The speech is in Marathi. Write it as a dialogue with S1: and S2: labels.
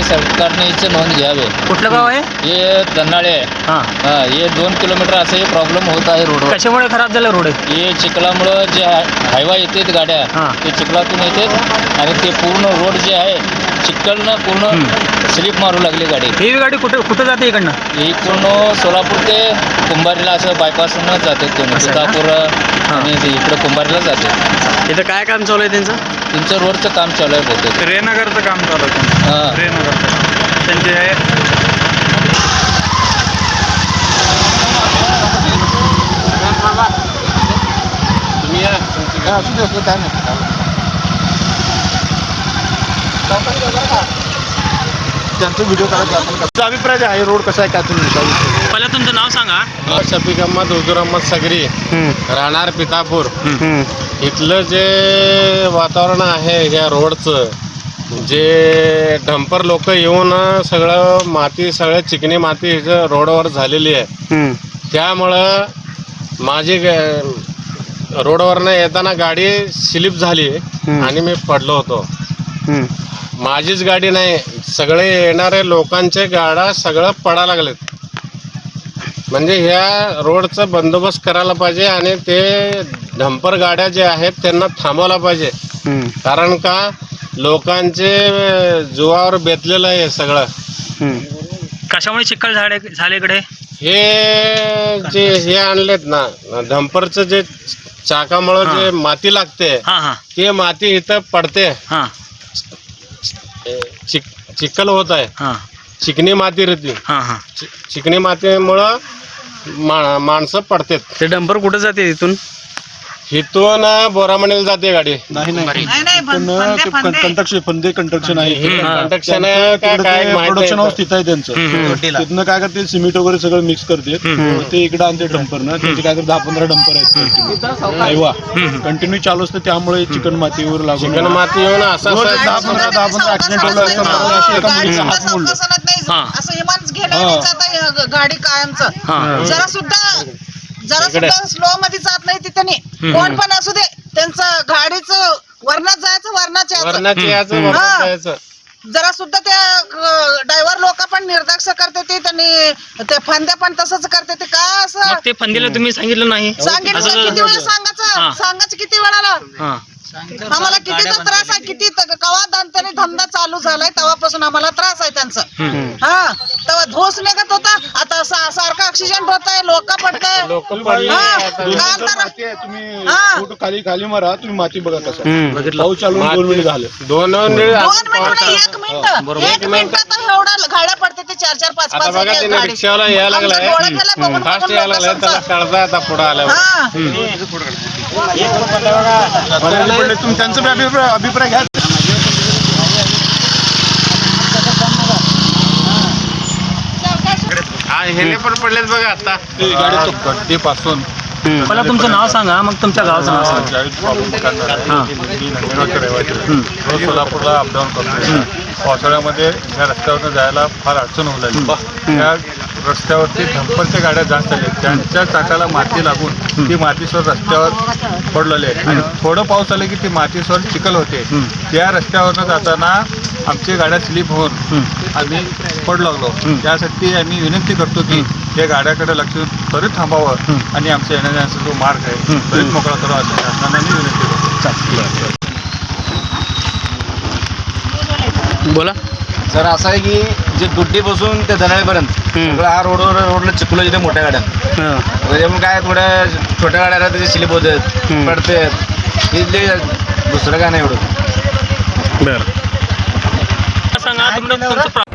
S1: सरकारने याची नोंद घ्यावी.
S2: कुठलं गाव आहे?
S1: हे दन्नाळे आहे.
S2: हां,
S1: हे 2 किलोमीटर असं हे प्रॉब्लेम होत आहे रोडवर.
S2: कशामुळे खराब झालं रोड?
S1: हे चिखलामुळं जे हायवा येतात गाड्या
S2: हां.
S1: ते चिखलातून येतात आणि ते पूर्ण रोड जे आहे चिखलनं पूर्ण स्लिप मारू लागली गाडी.
S2: ही गाडी कुठं जाते इकडनं?
S1: ही पूर्ण सोलापूर ते कुंभारीला असं बायपासनं जातात तुम्ही
S2: असं आहे का?
S1: सीतापूर आणि ते इकडं कुंभारीला जाते.
S2: इथं काय काम चालू आहे त्यांचं?
S1: तुमचं रोडचं काम चालू आहे बहुतेक.
S3: रेनगरचं काम चालू आहे.
S1: हां.
S3: रेनगरचं त्यांचे
S4: त्यांचा व्हिडिओ काढायचा अभिप्राय आहे रोड कसा आहे काय तुम्ही
S2: पहिला तुमचं नाव सांगा.
S5: शफीक अहमद हुजूर अहमद सगरी, राहणार पितापूर. इथलं जे वातावरण आहे ह्या रोडचं, जे डंपर लोक येऊन सगळं माती, सगळं चिकणी माती इथं रोडवर झालेली आहे. त्यामुळं माझी रोडवरनं येताना गाडी स्लिप झाली आणि मी पडलो होतो. माझीच गाडी नाही, सगळे येणारे लोकांचे गाड्या सगळं पडायला लागलेत. म्हणजे ह्या रोडचं बंदोबस्त करायला पाहिजे आणि ते डंपर गाड्या जे आहेत त्यांना थांबवला पाहिजे. कारण का लोकांचे जीवावर बेतलेलं आहे सगळं.
S2: कशामुळे चिखल झाले इकडे?
S5: हे जे हे आणलेत ना डंपरचं, जे चाकामुळं जे माती लागते
S2: हां,
S5: ते माती इथं पडते.
S2: हां,
S5: चिखल होत आहे,
S2: हां,
S5: चिकणी माती राहते.
S2: हां.
S5: चिकणी मातीमुळं माणसं पडतात.
S2: ते डंपर कुठं जाते इथून?
S5: इथून बोरामणीला जाते गाडी.
S4: कंस्ट्रक्शन आहे
S5: कंडक्शन काय
S4: प्रोडक्शन हाऊस तिथं आहे त्यांचं. तिथनं काय करते सिमेंट वगैरे सगळं मिक्स करते ते इकडे आणते डंपरनं. त्यांचे काय करते 10-15 डंपर आहेत कंटिन्यू चालू असतं. त्यामुळे चिकन मातीवर लागून
S5: चिकन माती येऊन असं
S4: 10-15 ऍक्सिडेंट होलं.
S6: गाडी कायमचं जरा सुद्धा स्लो मध्ये जात नाही तिथे. कोण पण असू दे त्यांचं गाडीचं वरणात जायचं
S5: वरणाची याचं
S6: जरा सुद्धा त्या ड्रायव्हर लोक पण निर्दक्ष करते ते. त्यांनी ते फंद्या पण तसंच करते ते. काय असं
S2: ते फंदीला तुम्ही सांगितलं नाही?
S6: सांगितलं किती वेळा सांगायचं किती वेळाला. आम्हाला कितीचा त्रास आहे. किती कवा त्यांनी धंदा चालू झालाय तेव्हापासून आम्हाला त्रास आहे त्यांचं. हा तेव्हा धोस निघत होता, आता सारखं ऍक्सिडेंट होत आहे, लोक पडताय.
S4: तुम्ही खाली मारा, तुम्ही माती बघा कसं पाऊस चालू 2 मिनिट झाले.
S5: 2
S6: मिनिट एवढा गाड्या पडते ते 4-4, 5-5
S5: बघा त्याने रिक्षावाला यायला लागलाय, फास्ट यायला लागलाय, त्याला कळता आता पुढं आल्यावर.
S4: तुम्ही त्यांचा अभिप्राय घ्या.
S5: हे पण पडलेत बघा आता
S4: गाडी गड्डीपासून.
S2: पहिला तुमचं नाव सांगा, मग तुमच्या गावाचं नाव सांगा.
S3: रोज सोलापूरला अपडाऊन करतो. पावसाळ्यामध्ये या रस्त्यावरनं जायला फार अडचण होऊ लागली. त्या रस्त्यावरती डंपरच्या गाड्या जास्त आल्या, त्यांच्या चाकाला माती लागून ती मातीसोर रस्त्यावर पडलेली आहे. आणि थोडं पाऊस आलं की ती मातीसोर चिखल होते. त्या रस्त्यावरनं जाताना आमची गाड्या स्लिप होऊन आम्ही पडू लागलो. त्यासाठी आम्ही विनंती करतो की या गाड्याकडे लक्ष देऊन त्वरित थांबावं आणि आमच्या येण्याचा जो मार्ग आहे त्वरित मोकळा करावा असं शासनाला मी विनंती करतो.
S2: बोला
S7: सर. असं आहे की जे दुड्डीपासून ते धनाळीपर्यंत सगळं हा रोडला चिखलं जिथे मोठ्या गाड्या त्याच्यामुळे काय थोड्या छोट्या गाड्या त्याचे स्लिप होतात, पडतात. इथले दुसरं काय नाही एवढं.
S2: बरं सांगा तुमचं